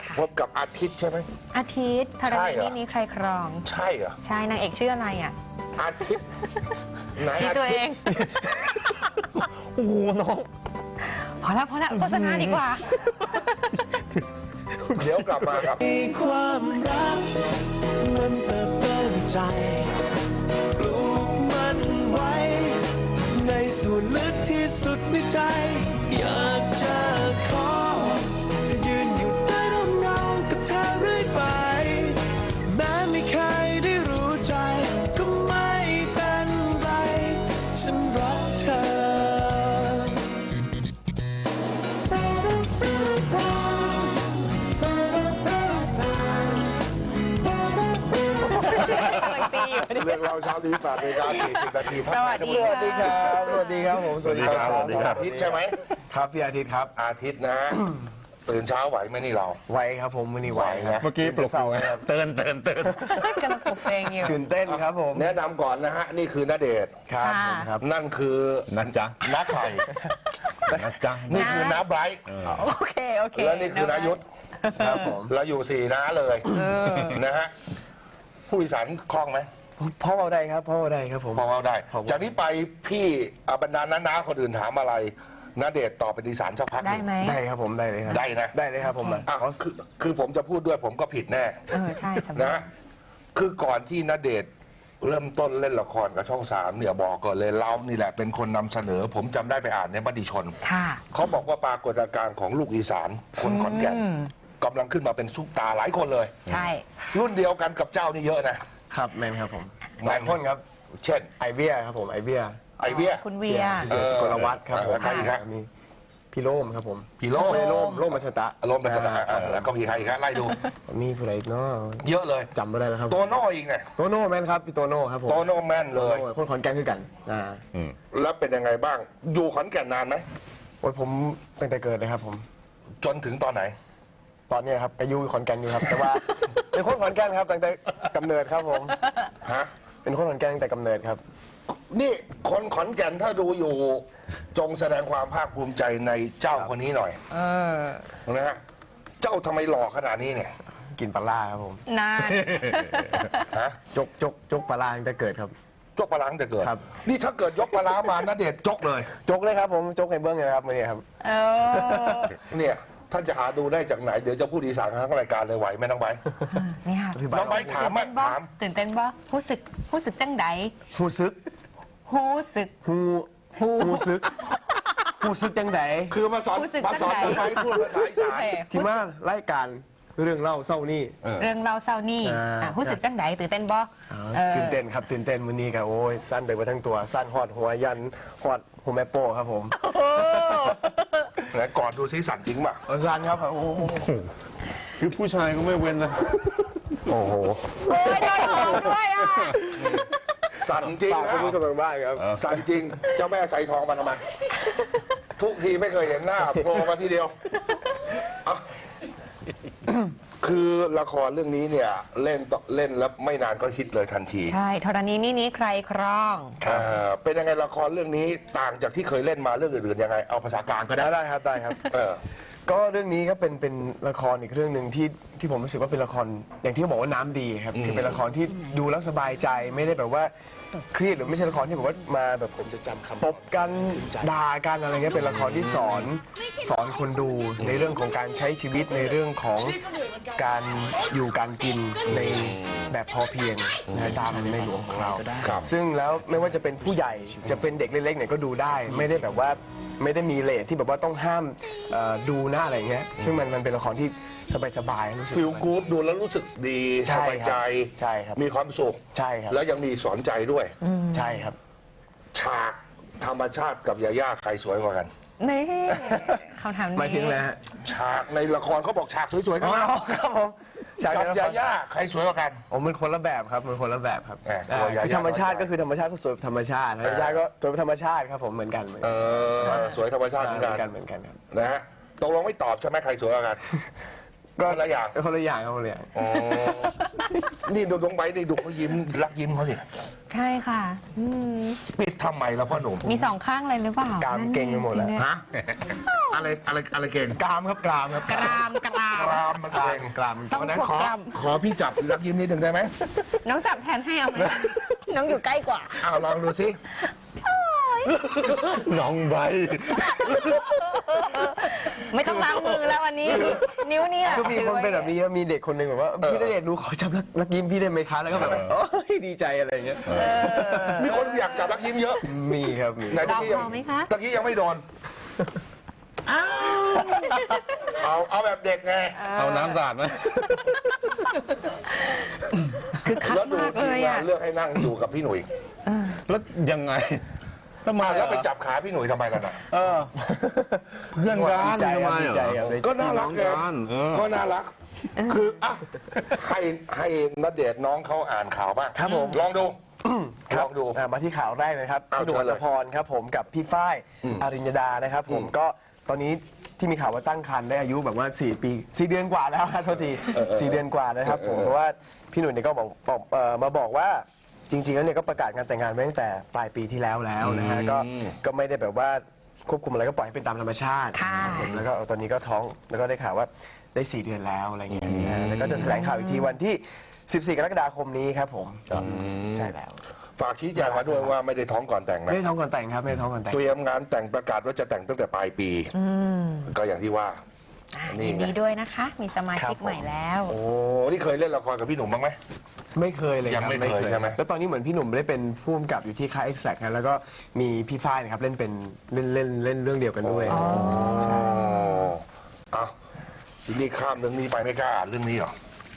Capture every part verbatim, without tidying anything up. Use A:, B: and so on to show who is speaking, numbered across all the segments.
A: พบกับอาทิตย์ใช่ไหม
B: อาทิตย์ธรณีนี้ใครครอง
A: ใช่เหรอ
B: ใช่นางเอกชื่ออะไรอ่ะ
A: อาทิตย์
B: ชื่อตัวเอง
C: โอ้โหน้อง
B: พอแล้วพอแล้วโฆษณาดีกว่า
A: เดี๋ยวกลับมาครับ
D: มีความรักมันเติบโตในใจปลูกมันไว้ในส่วนลึกที่สุดในใจอยากจะขอยืนอยู่ใต้ร่มเงากับเธอเรื่อยไปแม้ไม่เคยได้รู้ใจก็ไม่เป็นไรฉันรักเธอ
A: เรื่องเราเช้านี้แปดนาฬิกาสี่สิบนาที
B: สวัสดี
C: สวัสดีครับสวัสดีครับผม
A: สวัสดีครับอาทิตย์ใช่ไหม
C: ครับพี่อาทิตย์ครับ
A: อาทิตย์นะตื่นเช้าไหวไหมนี่เรา
C: ไหวครับผมวันนี้ไหวนะ
A: เมื่อกี้ปลุกเราครับเตือนเตือนเตือน
B: กำลังปลุกเพลงอยู่
C: ตื่นเต้นครับผม
A: แนะนำก่อนนะฮะนี่คือณเดชน์
C: ครับครับ
A: นั่นคือ
C: นัทจ๊ะ
A: น้าไข่
C: นัทจ๊ะ
A: นี่คือน้าไบรท์
B: โอเคโอเค
A: แล้วนี่คือน้ายุทธ
C: ครับผม
A: เราอยู่สี่น้าเลยนะฮะผู้โดยสารคล่องไหม
C: พ่อเอาได้ครับพ่อเอาได้ครับผม
A: พ่อเอาได้จากนี้ไปพี่บรรดาน้าๆคนอื่นถามอะไรณเดชน์ตอบเป็นอีสานสักพัก
B: ได้ไหม
C: ได้ครับผมได้เลยครับ
A: ได้นะ
C: ได้เลยครับผม
A: อ่ะคือคือผมจะพูดด้วยผมก็ผิดแน่
B: เออใช่
A: นะคือก่อนที่ณเดชน์เริ่มต้นเล่นละครกับช่องสามเนี่ยบอกก่อนเลยเรานี่แหละเป็นคนนำเสนอผมจำได้ไปอ่านในมติชนเขาบอกว่าปรากฏการณ์ของลูกอีสานคนขอนแก่นกำลังขึ้นมาเป็นซุปตาหลายคนเลย
B: ใช่
A: รุ่นเดียวกันกับเจ้านี่เยอะนะครับ
C: แม่ครับผมหลายคนครับ
A: เช่น
C: ไอเบียครับผมไอเบีย
A: ไอเบีย
B: คุณเวีย
C: สกลวัฒน์ครับผม
A: ใครอีกครับ
C: มีพี่โล่มครับผม
A: พี่โล่ม
C: โล่มโล่มมัชตะ
A: โล่มมัชตะแล้วก็มีใครอีกครับไล่ดู
C: มีผู้ใดอีกเนาะ
A: เยอะเลย
C: จำไม่ได้แล้วครับ
A: โตโน่อีกไง
C: โตโน่แม่นครับพี่โตโน่ครับผม
A: โตโน่แม่นเลย
C: คนขอนแก่นคือกันอ่า
A: แล้วเป็นยังไงบ้างอยู่ขอนแก่นนานไหม
C: โอ้ยผมตั้งแต่เกิดเลยครับผม
A: จนถึงตอนไหน
C: ตอนนี้ครับอายุขอนแก่นอยู่ครับแต่ว่าเป็นคนขอนแก่นครับตั้งแต่กำเนิดครับผม
A: ฮะ
C: เป็นคนขอนแก่นตั้งแต่กำเนิดครับ
A: นี่คนขอนแก่นถ้าดูอยู่จงแสดงความภาคภูมิใจในเจ้าคนนี้หน่อยเออนะฮะเจ้าทำไมหล่อขนาดนี้เนี่ย
C: กินปลาล่าครับผม
B: นาน
A: ฮะ
C: จกจกจกปลาล่าตั้งแต่เกิดครับ
A: จกปลาล่าตั้งแต่เกิด
C: ครับ
A: นี่ถ้าเกิดยกปลาล่ามาณเดชน์จกเลย
C: จกเลยครับผมจกในเบื้องเลยครับมื่อนี้ครับ
B: เออ
A: เนี่ยท่านจะหาดูได้จากไหนเดี๋ยวจะพูดอีสานทั้งรายการเลยไหวไหมน้องไบ
B: นี่ค่ะ
A: น้องไบถามมาถาม
B: ตื่นเต้นบ่ผู้สึกผู้สึกจังได
C: ผู้ซึก
B: ผู้สึก
C: ผู้ผู้ซึกผู้ซึกจังได
A: คือมาสอนมาสอนน้องไบพูดภาษาอีสาน
C: ที่มารายการเรื่องเล่าเศร้านี่
B: เรื่องเล่าเศร้านี่ผู้สึกจังไดตื่นเต้นบ่
C: ตื่นเต้นครับตื่นเต้นวันนี้ครับโอ้ยสั้นไปหมดทั้งตัวสั้นหอดหัวยันหอดหัวแม่โป้ครับผม
A: ไหนก่อนดูซิสั่นจริงป่ะ
C: สั่นครับโอ้โห
A: คือผู้ชายก็ไม่เว้นนะโอ้โห
B: โอ้ยโดนหอมด้วยอ่ะ
A: สั่นจริง
C: นะผู้ชมทางบ้านครับ
A: สั่นจริงเจ้าแม่ใส่ทองมาทำไมทุกทีไม่เคยเห็นหน้าโผล่มาทีเดียวคือละครเรื่องนี้เนี่ยเล่นเล่นแล้วไม่นานก็ฮิตเลยทันที
B: ใช่ธรณีนี่นี้ใครครอง
A: เป็นยังไงละครเรื่องนี้ต่างจากที่เคยเล่นมาเรื่องอื่นๆยังไงเอาภาษากลางก็ได้
C: ได้ครับได้ครับก็เรื่องนี้ก็เป็นเป็นละครอีกเรื่องหนึ่งที่ที่ผมรู้สึกว่าเป็นละครอย่างที่เขาบอกว่าน้ำดีครับคือเป็นละครที่ดูแล้วสบายใจไม่ได้แบบว่าเครียดหรือไม่ใช่ละครที่แบบว่ามาแบบผมจะจำคำตบกันด่ากันอะไรเงี้ยเป็นละครที่สอนสอนคนดูในเรื่องของการใช้ชีวิตในเรื่องของการอยู่การกินในแบบพอเพียงตามในหลวงของเราซึ่งแล้วไม่ว่าจะเป็นผู้ใหญ่จะเป็นเด็กเล็กๆเนี่ยก็ดูได้ไม่ได้แบบว่าไม่ได้มีเลทที่แบบว่าต้องห้ามดูหน้าอะไรเงี้ยซึ่งมันมันเป็นละครที่สบายๆ
A: ฟิลกู๊ดดูแล้วรู้สึกดีสบายใจ
C: ใช่ครับ
A: มีความสุข
C: ใช่ครับ
A: แล้วยังมีสอนใจด้วย
C: ใช่ครับ
A: ฉากธรรมชาติกับยาย่าใครสวยกว่ากัน
B: นี่เขาทำ
C: ไม่ถึงแล้ว
A: ฉากในละครเขาบอกฉากสวยๆกัน
C: ครับผม
A: กับยาย่าใครสวยกว่ากัน
C: ผมมันคนละแบบครับมันคนละแบบครับธรรมชาติก็คือธรรมชาติก็สวยธรรมชาติยาย่าก็สวยธรรมชาติครับผมเหมือนกัน
A: เออสวยธรรมชาติเหมือนกัน
C: เหมือนกันครับ
A: นะฮะตกลงไม่ตอบใช่ไหมใครสวยกว่ากันคนละอย่าง
C: คนละอย่างครับคนละอย่าง
A: อ๋อนี่ดูน้องไบร์ทนี่ดูเขายิ้มรักยิ้มเขาเนี่ย
B: ใช่ค่ะอืม
A: ปิดทำไมล่ะพ่อหนุ่ม
B: มีสองข้างเลยหรือเปล่าก
C: ามเก่งไปหมดแล้ว
A: ฮะอะไรอะไรอะไรเก่ง
C: กรามครับกรามครับ
B: กรามกราม
A: กรามมันเก่ง
C: กราม
B: ต้อง
A: วันนั้น
B: ควบ
A: ขอก
B: ราม
A: ขอพี่จับรักยิ้มนิดหนึ่งได้ไหม
B: น้องจับแทนให้เอาไหม น้องอยู่ใกล้กว่า
A: อ้าวลองดูสิน้องใบ
B: ไม่ต้องล้างมือแล้ววันนี้ นิ้วนี่แหละ
C: ก็มีคนเป็นแบบนี้ครับมีเด็กคนหนึ่งแบบว่าพี่ณเดชน์หนูขอจับรักรักยิ้มพี่ได้ไหมคะแล้วก็แบบโอ้ยดีใจอะไรอย่างเงี้ย
A: มีคนอยากจับรักยิ้มเยอะ
C: มีครับมี
A: ไหนตะกี้ยั
B: ลองพอไหมคะ
A: ตะกี้ยังไม่โดนเอาเอาแบบเด็กไง
E: เอาน้ำสาดไหม
B: คือคัก
A: แล้วดู
B: มาก
A: ที
B: เล
A: ม
B: ย
A: งา
B: อ่ะ
A: นเลือกให้นั่งอยู่กับพี่หนุ่ย
E: แล้วยังไงทำไม
A: แล้วไป
E: อ่ะ
A: จับขาพี่หนุ่ยทำไมกันอ่ะ
E: เออ เพื่อนกัน
C: ดีใจ
E: ทำ
C: ค
E: ไม
C: รับดี
E: อ่ะ
C: ใจครับ
A: ก็น่ารักไง
E: น้องกันเออ
A: ก็น่ารัก คืออ่ะให้ให้ณเดชน์น้องเขาอ่านข่าวบ้าง
C: ครับผม
A: ลองดู
C: ค
A: ล
C: รับ
A: องดู
C: อ่ามาที่ข่าวแรกนะครับ
A: เอา
C: พี่หนุ่ม
A: เชิ
C: อั
A: ญเลย
C: ตพรครับผมกับพี่ฝ้ายอาริญญดานะครับผมก็ตอนนี้ที่มีข่าวว่าตั้งครรภ์ได้อายุแบบว่าสี่ปีสี่เดือนกว่าแล้วนะโทษทีสี่เดือนกว่านะครับผมเพราะว่าพี่หนุ่มเนี่ยก็บอกบอกเอ่อมาบอกว่าจริงๆแล้วเนี่ยก็ประกาศงานแต่งงานไว้ตั้งแต่ปลายปีที่แล้วแล้วนะฮะก็ก็ไม่ได้แบบว่าควบคุมอะไรก็ปล่อยให้เป็นตามธรรมชาติ
B: ค่ะ
C: นะครับผมแล้วก็ตอนนี้ก็ท้องแล้วก็ได้ข่าวว่าได้สี่เดือนแล้วอะไรเงี้ยนะฮะแล้วก็จะแถลงข่าวอีกทีวันที่สิบสี่กรกฎาคมนี้ครับผมใช่แล้ว
A: ฝากชี้แจงมาด้วยว่าไม่ได้ท้องก่อนแต่ง
C: ไม่
A: นะ
C: ได้ท้องก่อนแต่งครับไม่ได้ท้องก่อนแต่ง
A: เตรียมงานแต่งประกาศว่าจะแต่งตั้งแต่ปลายปี ก็อย่างที่ว่า นี่
B: ยิน
A: ไง
B: ดีด้วยนะคะ มีสมาชิก
C: ครับผม
B: ใหม่แล้ว
A: โอ้นี่เคยเล่นละครกับพี่หนุ่มบ้างไหม
C: ไม่เคยเลย
A: ยัง
C: ครับ
A: ไม่เคยใช่ไหม
C: แล้วตอนนี้เหมือนพี่หนุ่มได้เป็นผู้กำกับอยู่ที่ค่าย Exact นะแล้วก็มีพี่ฝ้ายนะครับเล่นเป็นเล่นเล่นเล่นเรื่องเดียวกันด้วยใช่
A: อ๋อเอาทีนี้ข้ามเรื่องนี้ไปไม่กล้าอ่านเรื่องนี้หรอ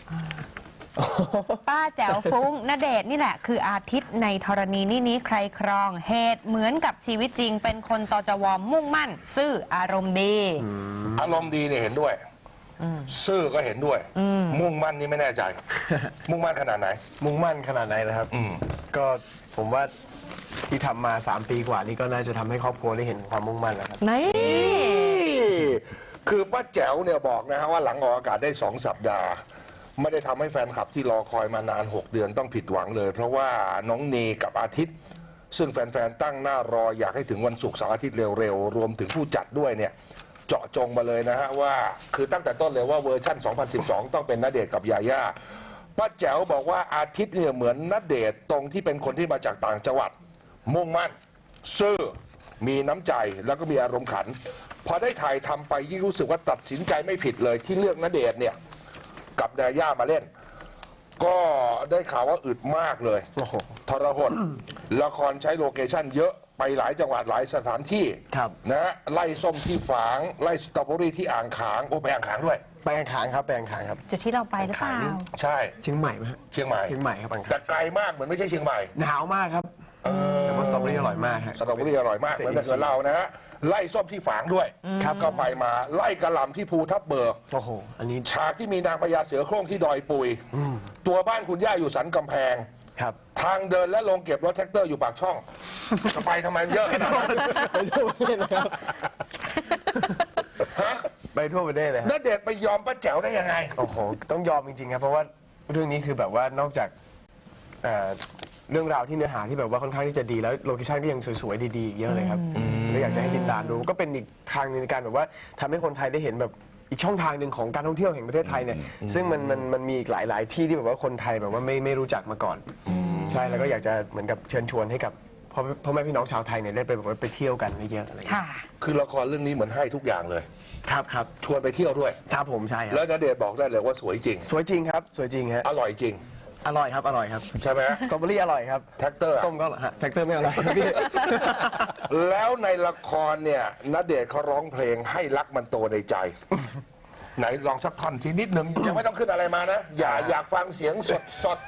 B: ป้าแจ๋วฟุ้งณเดชน์นี่แหละ คืออาทิตย์ในธรณีนี่นี้ใครครอง เหตุเหมือนกับชีวิตจริง เป็นคนตจวมุ่งมั่น ซื่ออารมณ์ดี
A: อารมณ์ดีเนี่ยเห็นด้วย ซื่อก็เห็นด้วย มุ่งมั่นนี่ไม่แน่ใจ มุ่งมั่นขนาดไหน
C: มุ่งมั่นขนาดไหนนะครับ
A: อืม
C: ก็ผมว่าที่ทำมาสามปีกว่านี่ก็น่าจะทำให้ครอบครัวได้เห็นความมุ่งมั่นแล้วครับ
B: นี่
A: คือป้าแจ๋วเนี่ยบอกนะฮะว่าหลังออกอากาศได้สองสัปดาห์ ไม่ได้ทำให้แฟนคลับที่รอคอยมานาน หก เดือนต้องผิดหวังเลย เพราะว่าน้องเนกับอาทิตย์ ซึ่งแฟนๆตั้งหน้ารออยากให้ถึงวันศุกร์เสาร์อาทิตย์เร็วๆ รวมถึงผู้จัดด้วยเนี่ย เจาะจงมาเลยนะฮะว่าคือตั้งแต่ต้นเลยว่าเวอร์ชั่น สองพันสิบสอง ต้องเป็นณเดชน์กับยาย่าป้าแจ๋วบอกว่าอาทิตย์เนี่ยเหมือนณเดชน์ตรงที่เป็นคนที่มาจากต่างจังหวัด มุ่งมั่น ซื่อ มีน้ำใจแล้วก็มีอารมณ์ขัน พอได้ถ่ายทำไปยิ่งรู้สึกว่าตัดสินใจไม่ผิดเลยที่เลือกณเดชน์เนี่ยกับยาย่ามาเล่น ก็ได้ข่าวว่าอึดมากเลย
C: โอ้โห
A: ทรหดละครใช้โลเคชั่นเยอะไปหลายจังหวัดหลายสถานที่
C: ครับ
A: นะฮะไล่ส้มที่ฝาง ไล่สตรอเบอรี่ที่อ่างขางโอ้ไปอ่างขางด้วย
C: ไปอังคารครับไปอังคารครับ
B: จุดที่เราไปหรือเปล่า
A: ใช่
C: เชียงใหม่ไหมฮะ
A: เชียงใหม่
C: เชียงใหม่ครับอังคาร
A: แต่ไกลมากเหมือนไม่ใช่เชียงใหม่
C: หนาวมากครับแต่ว่าสตรอเบอรี่อร่อยมากฮะ
A: สตรอเบอรี่อร่อยมากเหมือนกับเรานะฮะไล่ส้มที่ฝางด้วยครับก็ไปมาไล่กระหล่ำที่ภูทับเบิก
C: โอ้โหอันนี้
A: ฉากที่มีนางพญาเสือโคร่งที่ดอยปุย ตัวบ้านคุณย่าอยู่สันกำแพง
C: ครับ
A: ทางเดินและลงเก็บรถแท็กเตอร์อยู่ปากช่อง จะไปทำไมเยอะขนาดนั้น
C: ไปทั่วประเทศเลยครับ
A: ฮะ
C: ไปทั่วประเทศเลยฮะ
A: ณเดชน์ไปยอมป้าแจ๋วได้ยังไง
C: โอ้โหต้องยอมจริงๆครับเพราะว่าเรื่องนี้คือแบบว่านอกจากเอ่อเรื่องราวที่เนื้อหาที่แบบว่าค่อนข้างที่จะดีแล้วโลเคชั่นก็ยังสวยๆดีๆเยอะเลยครับแล้วอยากจะให้ติดตามดูก็เป็นอีกทางหนึงในการแบบว่าทำให้คนไทยได้เห็นแบบอีกช่องทางหนึ่งของการท่องเที่ยวแห่งประเทศไทยเนี่ยซึ่งมันมันมันมีอีกหลายๆที่ที่แบบว่าคนไทยแบบว่าไม่ไม่รู้จักมาก่อน ใช่แล้วก็อยากจะเหมือนกับเชิญชวนให้กับพ่อพ่อแม่พี่น้องชาวไทยเนี่ยได้ไปแบบว่าไปเที่ยวกันเยอะๆอะไรอย่างเงี้ย
B: ค่ะ
A: คือละครเรื่องนี้เหมือนให้ทุกอย่างเลย
C: ครับครับ
A: ชวนไปเที่ยวด้วย
C: ครับผมใช่ค
A: แล้
C: รั
A: ว
C: บ
A: ณเดชน์บอกได้เลยว่าสวยจริง
C: สวยจริงครับสวยจริงฮะ
A: อร่อยจริง
C: อร่อยครับอร่อยครับ
A: ใช่ไหม
C: สตรอเบอรี่อร่อยครับ
A: แท็กเตอร์
C: ส้มก็อร่อยฮะแท็กเตอร์ไม่อร่อยครับพี่
A: แล้วในละครเนี่ยณเดชน์เขาร้องเพลงให้รักมันโตในใจ ไหนลองสักท่อนทีนิดหนึ่งยังไม่ต้องขึ้นอะไรมานะ อย่าอยากฟังเสียงสดสด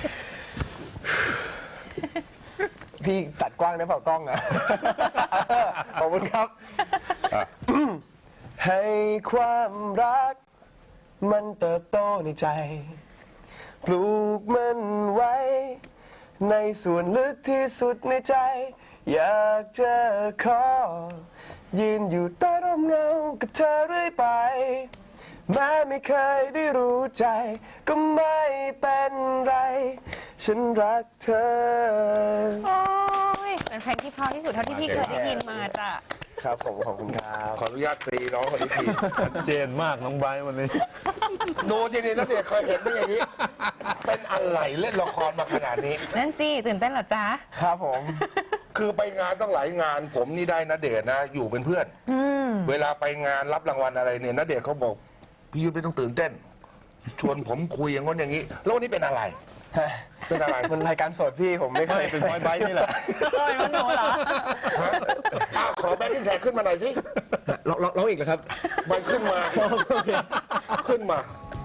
C: พี่ตัดกว้างได้เปล่ากล้องอะขอบคุณครับ ให้ความรัก มันเติบโตในใจ ปลูกมันไว้ ในส่วนลึกที่สุดในใจ อยากจะขอ ยืนอยู่ใต้ร่มเงากับเธอเรื่อยไปแม้ไม่เคยได้รู้ใจ ก็ไม่เป็นไร ฉันรักเธอ
B: โอ้ยเป็นเพลงที่เพราะที่สุดเท่าที่พี่เคยได้ยินมาจ้ะ
C: ครับผมขอบคุณครับ
A: ขออนุญาตตีน้องคนนี้ที
E: ชัดเจนมากน้องไบร์ทวันนี้
A: ดูจริงๆนะเด็กเคยเห็นไหมอย่างนี้ เป็นอะไรเล่นละครมาขนาดนี้
B: นั่นสิตื่นเต้นเหรอจ๊ะ
C: ครับผม
A: คือไปงานต้องหลายงาน ผมนี่ได้นะเดชน์นะ อยู่เป็นเพื่อน
B: อืม
A: เวลาไปงานรับรางวัลอะไรเนี่ยนะเดชน์เขาบอกพี่ยุทธไม่ต้องตื่นเต้น ชวนผมคุยอย่างง้นอย่างนี้ แล้ววันนี้เป็นอะไร เป็นอะไร
C: มันรายการสดพี่ผมไม่เค
E: ไม่
C: ย
E: เป็นไบร์ทไบร์ทนี่แหละ
B: เอ้ยมันหนูเหรอ
A: ฮะอ้าวขอแบงค์แท็กขึ้นมาหน่อยสิ
C: ร้องร้องร้องอีกเหรอครับ
A: มันขึ้นมา ขึ้นมา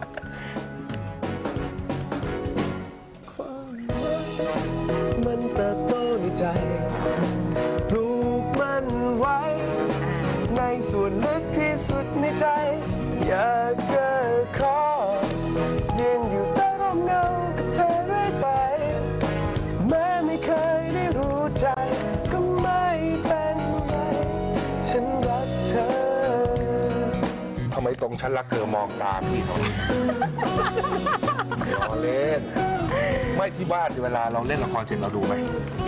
C: มันเติบโตในใจปลูกมันไว้ ในส่วนลึกที่สุดในใจ อยากจะขอยืนอยู่ใต้ร่มเงากับเธอเรื่อยไป แม้ไม่เคยได้รู้ใจ ก็ไม่เป็นไร ฉันรักเธอ
A: ทำไมตรงฉันรักเธอมองตาพี่เขาล้อเล่น ไม่ที่บ้านเวลาเราเล่นละครเสร็จเราดูไหม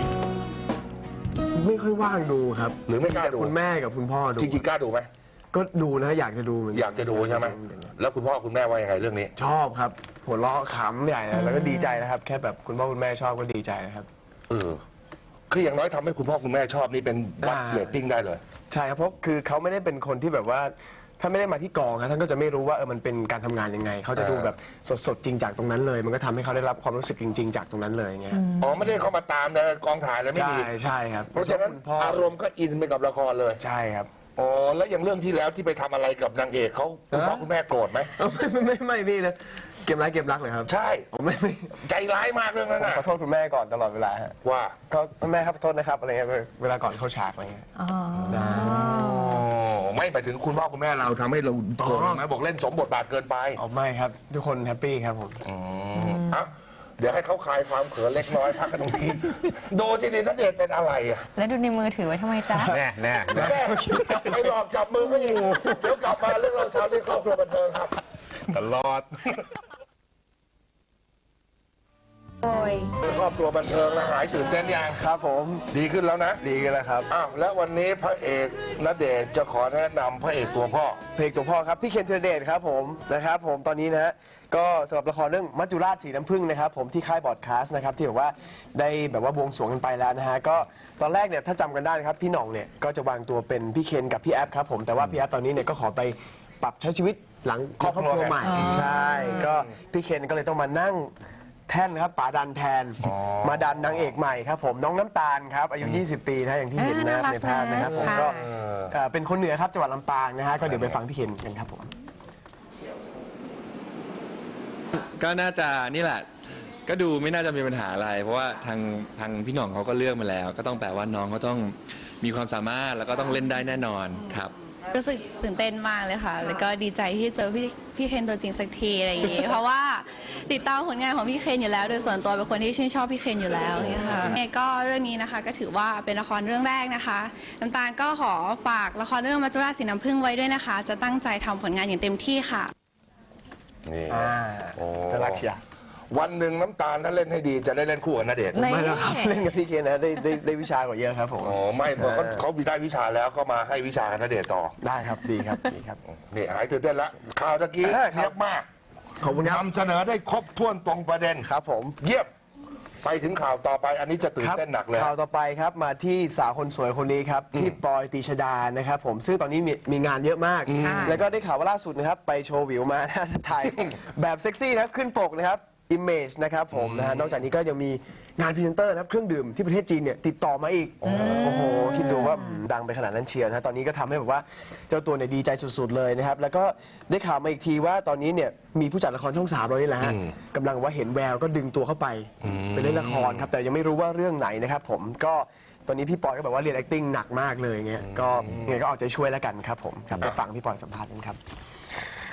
C: ไม่ค่อยว่างดูครับ
A: หรือไม่กล้าดู
C: คุณแม่กับคุณพ่อดู
A: จริงๆกล้าดูไหม
C: ก็ดูนะอยากจะดูเหมือนน
A: อยากจะดูใช่ไหม แล้วคุณพ่อคุณแม่ว่ายังไงเรื่องนี้
C: ชอบครับ หัวเราะขำใหญ่เลยแล้วก็ดีใจนะครับ แค่แบบคุณพ่อคุณแม่ชอบก็ดีใจนะครับ
A: เออ คืออย่างน้อยทำให้คุณพ่อคุณแม่ชอบนี่เป็นวัด
C: อ่า
A: เรตติ้งได้เลย
C: ใช่ครับเพราะคือเขาไม่ได้เป็นคนที่แบบว่าถ้าไม่ได้มาที่กองครับท่านก็จะไม่รู้ว่าเออมันเป็นการทำงานยังไงเขาจะดูแบบสดๆจริงจากตรงนั้นเลย มันก็ทำให้เขาได้รับความรู้สึกจริง ๆ จากตรงนั้นเลยเงี้ย
A: อ๋อไม่ได้เข้ามาตามนะกองถ่ายแล้วไม่
C: ใช่
A: ดี
C: ใช่ครับ
A: เพราะฉะนั้น
C: คุณพ่อ
A: อารมณ์ก็อินไปกับละครเลย
C: ใช่ครับ
A: อ๋อ แล้วอย่างเรื่องที่แล้วที่ไปทำอะไรกับนางเอกเขาคุณพ่อ
C: ฮะ
A: คุณแม่โกรธไหม
C: ไม่ไม่ไม่ไม่พี่นะเกมร้ายเกมรักเลยครับ
A: ใช่
C: ผมไม่ไม่
A: ใจร้ายมากเรื่องนั้น
C: ผม
A: น่ะ
C: ขอโทษคุณแม่ก่อนตลอดเวลาฮะ
A: ว่า
C: ก็แม่ครับขอโทษนะครับอะไรเงี้ยเวลาก่อนเข้าฉากอะไรเงี้ย
B: อ๋อ
C: ได้
A: อ๋อ ไม่ไปถึงคุณพ่อคุณแม่เราทำให้เราโกรธไหมบอกเล่นสมบทบาทเกินไป
C: เอาไม่ครับ ทุกคนแฮปปี้ครับผม
A: อืมเอ้าเดี๋ยวให้เขาคลายความเขินเล็กน้อยพักกันตรงนี้ ดูสินี่นัเดชน์เป็นอะไรอ่ะ
B: แล้วดูในมือถือไว้ทำไมจ๊ะ
E: แน่แน่แน่
A: แม่ไปหลอกจับมือก็อยู่เดี๋ยวกลับมาเรื่องเราเช้าที่ครอบครัวบันเทิงครับ
E: ตลอด
B: โอ้ย
A: ครอบครัวบันเทิงแล้วหายตื่นเต้นยัง
C: ครับผม
A: ดีขึ้นแล้วนะ
C: ดีกันแล้วครับ
A: อ้าวแล้ววันนี้พระเอกณเดชน์จะขอแนะนำพระเอกตัวพ่อ
C: เพลงตัวพ่อครับ พี่เคนธีรเดชครับผมนะครับผมตอนนี้นะฮะก็สำหรับละครเรื่องมัจจุราชสีน้ำผึ้งนะครับผมที่ค่ายบอดคาสต์นะครับที่แบบว่าได้แบบว่าบวงสรวงกันไปแล้วนะฮะก็ตอนแรกเนี่ยถ้าจำกันได้นะครับพี่หน่องเนี่ยก็จะวางตัวเป็นพี่เคนกับพี่แอฟครับผมแต่ว่าพี่แอฟตอนนี้เนี่ยก็ขอไปปรับใช้ชีวิตหลังครอบครัวใหม่ใช่ก็พี่เคนก็เลยต้องมานั่งแท่นครับป๋าดันแทน
A: อ๋อ
C: มาดันนางเอกใหม่ครับผมน้องน้ำตาลครับอายุ ยี่สิบ ปีนะอย่างที่เห็นนะครับในภาพนะครับผมก็ เอ่อเป็นคนเหนือครับจังหวัดลำปางนะฮะก็เดี๋ยวไปฟังพี่เคนกันครับผม
F: ก็น่าจะนี่แหละ ก็ดูไม่น่าจะมีปัญหาอะไร เพราะว่าทางทางพี่หน่องเขาก็เลือกมาแล้ว ก็ต้องแปลว่าน้องเขาต้องมีความสามารถแล้วก็ต้องเล่นได้แน่นอนครับ
G: รู้สึกตื่นเต้นมากเลยค่ะ แล้วก็ดีใจที่เจอพี่พี่เคนตัวจริงสักทีอะไรอย่างงี้ เพราะว่าติดตามผลงานของพี่เคนอยู่แล้ว โดยส่วนตัวเป็นคนที่ชื่นชอบพี่เคนอยู่แล้วเนี่ยค่ะยังไงก็เรื่องนี้นะคะก็ถือว่าเป็นละครเรื่องแรกนะคะ น้ำตาลก็ขอฝากละครเรื่องมัจจุราชสีน้ำผึ้งไว้ด้วยนะคะ จะตั้งใจทำผลงานอย่างเต็มที่ค่ะ
A: นี่
C: อ่า
A: โอ้
C: น่ารักเชียว
A: วันหนึ่งน้ำตาลถ้าเล่นให้ดีจะได้เล่นคู่กับณเดชน์
B: ไม่
C: ไม่แล้วครับเล่นกับพี่เคนนะได้ได้ได้วิชากว่าเยอะครับผม
A: อ๋อไม่เพราะเขาเขามีได้วิชาแล้วก็มาให้วิชากับณเดชน์ต่อ
C: ได้ครับดีครับดีครับ
A: นี่หายตื่นเต้นแล้วข่าวตะกี้
C: เออครับ
A: เยอะมาก
C: ขอบคุณครับ
A: นำเสนอได้ครบถ้วนตรงประเด็น
C: ครับผม
A: เยี่ยมไปถึงข่าวต่อไปอันนี้จะตื่นเต้นหนักเลย
C: ข่าวต่อไปครับมาที่สาวคนสวยคนนี้ครับพี่ปอยตีชดานะครับผมซึ่งตอนนี้มีมีงานเยอะมาก
B: ค่ะ
C: แล้วก็ได้ข่าวว่าล่าสุดนะครับไปโชว์วิวมา ถ่ายแบบเซ็กซี่นะครับขึ้นปกนะครับ Image นะครับผมนะฮะนอกจากนี้ก็ยังมีงานพรีเซนเตอร์นะครับเครื่องดื่มที่ประเทศจีนเนี่ยติดต่อมาอีก โอ้โห คิดดูว่าดังไปขนาดนั้นเชียวนะฮะตอนนี้ก็ทำให้แบบว่าเจ้าตัวเนี่ยดีใจสุดๆเลยนะครับ แล้วก็ได้ข่าวมาอีกทีว่าตอนนี้เนี่ยมีผู้จัดละครช่องสามเรานี่แหละฮะกำลังว่าเห็นแววก็ดึงตัวเข้าไปไปเล่นละครครับแต่ยังไม่รู้ว่าเรื่องไหนนะครับผมก็ตอนนี้พี่ปอยก็แบบว่าเรียน acting หนักมากเลยเงี้ยก็ยังไงก็เอาใจช่วยแล้วกันครับผมครับไปฟังพี่ปอยสัมภาษณ์กันครับ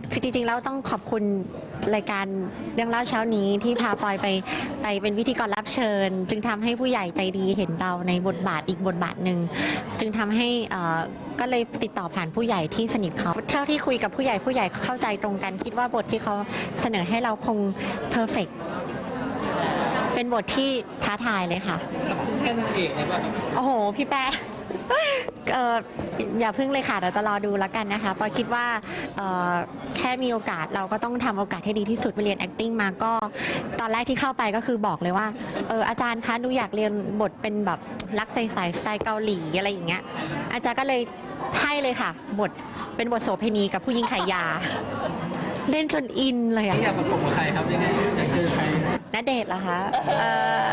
H: คือจริงๆแล้วต้องขอบคุณรายการเรื่องเล่าเช้านี้ที่พาปอยไปไปเป็นพิธีกรรับเชิญ จึงทำให้ผู้ใหญ่ใจดีเห็นเราในบทบาทอีกบทบาทหนึ่งจึงทำให้เอ่อก็เลยติดต่อผ่านผู้ใหญ่ที่สนิทเขาเท่าที่คุยกับผู้ใหญ่ผู้ใหญ่เข้าใจตรงกัน คิดว่าบทที่เขาเสนอให้เราคงเพอร์เฟกต์เป็นบทที่ท้าทายเลยค่ะแค่นางเอกเลยป่ะโอ้โหพี่แป๊ะเอ่ออย่าพึ่งเลยค่ะเดี๋ยวจะรอดูแล้วกันนะคะปอยคิดว่าเอ่อแค่มีโอกาสเราก็ต้องทำโอกาสให้ดีที่สุดไปเรียน acting มาก็ตอนแรกที่เข้าไปก็คือบอกเลยว่าเอออาจารย์คะหนูอยากเรียนบทเป็นแบบรักใสๆสไตล์เกาหลีอะไรอย่างเงี้ยอาจารย์ก็เลยให้เลยค่ะบทเป็นบทโสเภณีกับผู้หญิงขายยา เล่นจนอินเลยอะอยากประกบกับใครครับยังไงอยากเจอใครณเดชน์เหรอคะเอ่อ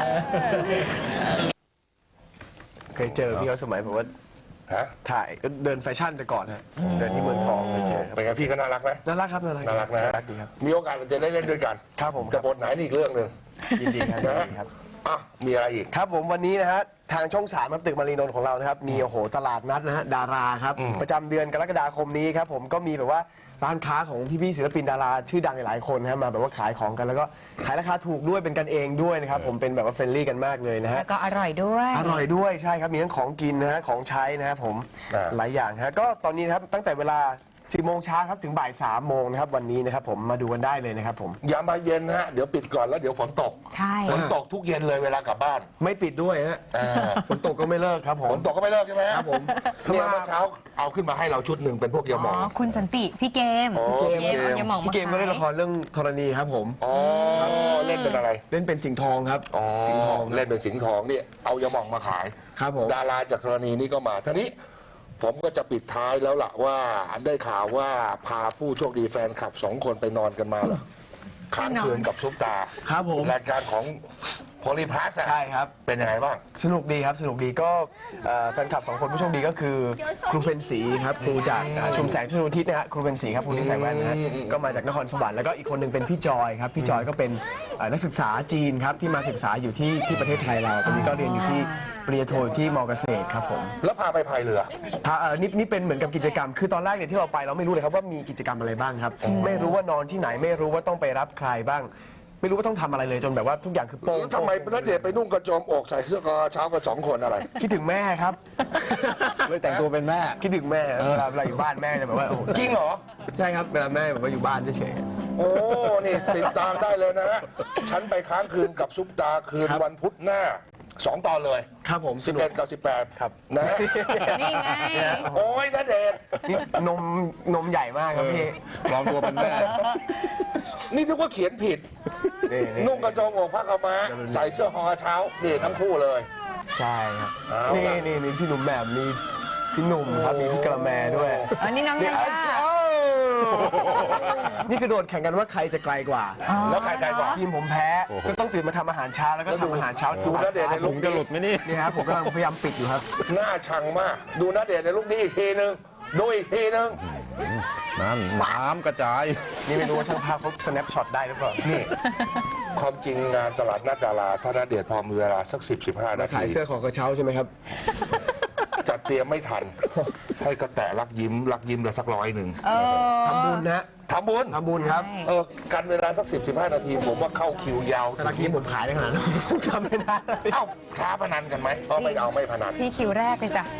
C: เคยเจอพี่เขาสมัยผมว่า
A: ฮะ
C: ถ่ายก็เดินแฟชั่นไปก่อนฮะเดินที่เมืองทองเคยเจอครับ
A: เป็นไงพี่ก็น่ารักไหม
C: น่ารักครับน่ารัก
A: น่ารักนะ
C: น่ารักดีครับ
A: มีโอกาสเราจะได้เล่นด้วยกัน
C: ครับผม
A: แต่บทไหนนี่อีกเรื่องหนึ่ง
C: ยินดีครับยินดีครับ
A: อ่ะมีอะไรอีก
C: ครับผมวันนี้นะฮะทางช่องสามครับตึกมารีนนท์ของเรานะครับมีโอ้โหตลาดนัดนะฮะดาราครับ
A: อืม
C: ประจำเดือนกรกฎาคมนี้ครับผมก็มีแบบว่าร้านค้าของพี่ๆศิลปินดาราชื่อดังหลายๆคนนะฮะมาแบบว่าขายของกันแล้วก็ขายราคาถูกด้วยเป็นกันเองด้วยนะครับผมเป็นแบบว่าเฟรนลี่กันมากเลยนะฮะ
B: แล้วก็อร่อยด้วย
C: อร่อยด้วยใช่ครับมีทั้งของกินนะฮะของใช้นะครับผม
A: อ่า
C: หลายอย่างฮะก็ตอนนี้นะครับตั้งแต่เวลาสิบโมงเช้าครับถึงบ่ายสามโมงนะครับวันนี้นะครับผมมาดูกันได้เลยนะครับผม
A: อย่ามาเย็นนะฮะเดี๋ยวปิดก่อนแล้วเดี๋ยวฝนตก
B: ใช่
A: ฝนตกทุกเย็นเลยเวลากลับบ้าน
C: ไม่ปิดด้วยฮะ
A: อ่า
C: ฝนตกก็ไม่เลิกครับผ
A: ฝ
C: ม
A: นตกก็ไม่เลิกใช่ไหมฮะ
C: ครับผม
A: เนี่ยเมื่อเช้าเอาขึ้นมาให้เราชุดหนึ่งเป็นพวกยาหม
B: อ๋
A: อ
B: อง คุณสันติพี่เกม
A: อ๋อ
C: พี่เกม
B: พี่เกมเอายาหม่องมา
C: พี่เกมก็เล่นละครเรื่องธรณีครับผม
A: อ๋อเล่นเป็นอะไร
C: เล่นเป็นสิงห์ทองครับ
A: อ๋อ
C: สิงห์ทอง
A: เล่นเป็นสิงห์ทองเนี่ยเอายาหมองมาขาย
C: ครับผม
A: ดาราจากกรณีนี้ก็มาทีนี้ผมก็จะปิดท้ายแล้วล่ะว่าได้ข่าวว่าพาผู้โชคดีแฟนคลับสองคนไปนอนกันมาเหรอค้างคืนกับซุปตา
C: ครับผม
A: รายการของโพลีพลัส
C: ใช่ครับ
A: เป็นยังไงบ้าง
C: สนุกดีครับสนุกดีก็เอ่อแฟนคลับสองคนผู้โชคดีก็คือครูเพนศรีครับครูจากอ่าชุมแสงชลทิศนะฮะครูเพนศรีครับครูที่ใส่แว่นนะฮะก็มาจากนครสวรรค์แล้วก็อีกคนหนึ่งเป็นพี่จอยครับพี่จอยก็เป็นเอ่อนักศึกษาจีนครับที่มาศึกษาอยู่ที่ที่ประเทศไทยเราตอนนี้ก็เรียนอยู่ที่ปริญญาโทอยู่ที่มอเกษตรครับผม
A: แล้วพาไปพายเรือ
C: พาเอ่อนี่นี่เป็นเหมือนกับกิจกรรม คือตอนแรกเนี่ยที่เราไปเราไม่รู้เลยครับว่ามีกิจกรรมอะไรบ้างครับ ไม่รู้ว่านอนที่ไหนไม่รู้ว่าต้องไปรับใครบ้าง ไม่รู้ว่าต้องทำอะไรเลยจนแบบว่าทุกอย่างคือโป้ง
A: ทำไมณเดชน์ไปนุ่งกระโจมอกใส่เสื้อกอเช้ากับสองคนอะไร
C: คิดถึงแม่ครับ
E: เลยแต่งตัวเป็นแม่
C: คิดถึงแม่เวลาเวลาอยู่บ้านแม่จะแบบว่าโอ้โห
A: จริงเหรอ
C: ใช่ครับเวลาแม่แบบว่าอยู่บ้านเฉย
A: โอ้ นี่ติดตามได้เลยนะฮะ ฉันไปค้างคืนกับซุปตาคืนวันพุธหน้าสองตอนเลย
C: ๆครับผมส
A: สิบ
C: นุก
A: เอ็ดกับสิบแปด
C: ครับ
A: นะฮะ
B: นี่ไง
A: โอ้ยณเดชน์
C: นี่นมนมใหญ่มากครับพี่
E: ปลอมตัวเป็นแม่
A: นี่นึกว่าเขียนผิด
C: นี่นี่
A: นุ่งกระโจมอกผ้าขาวม้าใส่เสื้อฮอเช้านี่ทั้งคู่เลย
C: ใช่ครับ
A: เอา
C: นี่
A: ล่ะ
C: นี่มีพี่หนุ่มแบบมีพี่หนุ่มครับมีพี่กระแมด้วย
B: อันนี้น้อง
C: นี่
B: ยา
C: อา
B: ย่า
C: จารย์นี่คือโดดแข่งกันว่าใครจะไกลกว่า
A: แล้วใครไกลกว่า
C: ทีมผมแพ้ก็ต้องตื่นมาทำอาหารเช้าแล้วก็ทำอาหารเช้า
A: ดูณเดชน์ใน
E: ผ
A: ลุ
E: ม
A: ค
E: จะ
A: นี้
E: หลุดไหมนี่
C: นี่ครับผมกำลังพยายามปิดอยู่ครับ
A: หน้าชังมาก ดูณเดชน์ในลุคนี้อีกทีนึงดูอีกทีนึง
E: นั่นน้ำกระจาย
C: นี่ไม่รู้ว่าช่างภาพเขา snap shot ได้หรือเปล่า
A: นี่ ความจริงงานตลาดนัดดาราถ้าณเดชน์พอมีเวลาสักสิบสิบห้านา
C: ขาย
A: ที
C: เสื้อของกระเช้าใช่ไหมครับ
A: จัดเตรียมไม่ทัน ให้กระแตะรักยิ้มรักยิ้มละสักร้อยหนึ่ง
B: เออ
C: ทำบุญนะ
A: ทำบุญ
C: ทำบุญครับ
A: เออกันเวลาสักสิบสิบห้านาที ผมว่าเข้าคิวยาว
C: แต่ละทีผมขายได้ขนาดนั้นผมทำไม่ได้
A: เอ้าท้าพนันกันไหมก็ไม่เอาไม่พนัน
B: พี่คิวแรกเลยจ้ะ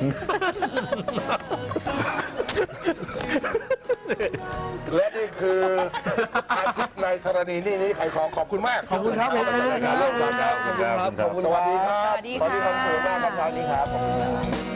A: และนี่คืออาทิตย์ในธรณีนี่นี่ไขของขอบคุณมาก
C: ขอบคุณครับผม
A: ขอบคุณครับ
C: ขอบคุณครับขอบคุณครับ
A: สวัสดีครับ
B: สวัสดีค่ะ
C: ขอบคุณความสุขมากครับเช้านี้ครับขอบคุณครับ